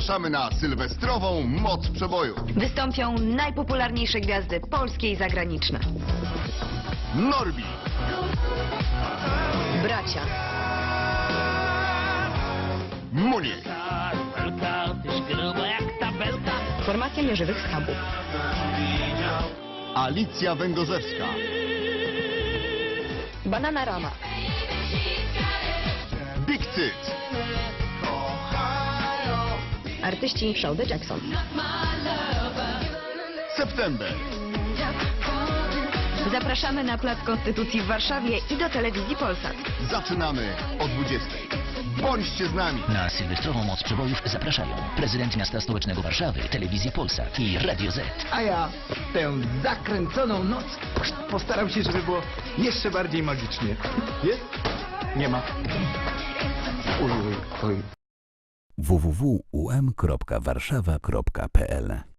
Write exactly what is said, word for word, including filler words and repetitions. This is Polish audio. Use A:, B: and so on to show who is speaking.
A: Zapraszamy na sylwestrową Moc Przeboju.
B: Wystąpią najpopularniejsze gwiazdy polskie i zagraniczne.
A: Norbi,
B: Bracia,
A: Muniek,
C: Belka, tyś gruba jak tabelka.
B: formacja nieżywych schabów,
A: Alicja Węgorzewska,
B: Bananarama,
A: Big Cyt,
B: artyści Show the Jackson.
A: September.
B: Zapraszamy na Plac Konstytucji w Warszawie i do telewizji Polsat.
A: Zaczynamy o dwudziestej. Bądźcie z nami.
D: Na sylwestrową Moc Przebojów zapraszają prezydent miasta stołecznego Warszawy, telewizji Polsat i Radio Z.
E: A ja w tę zakręconą noc postaram się, żeby było jeszcze bardziej magicznie. Jest? Nie ma. Oj, oj, oj.
F: w w w kropka u m kropka warszawa kropka p l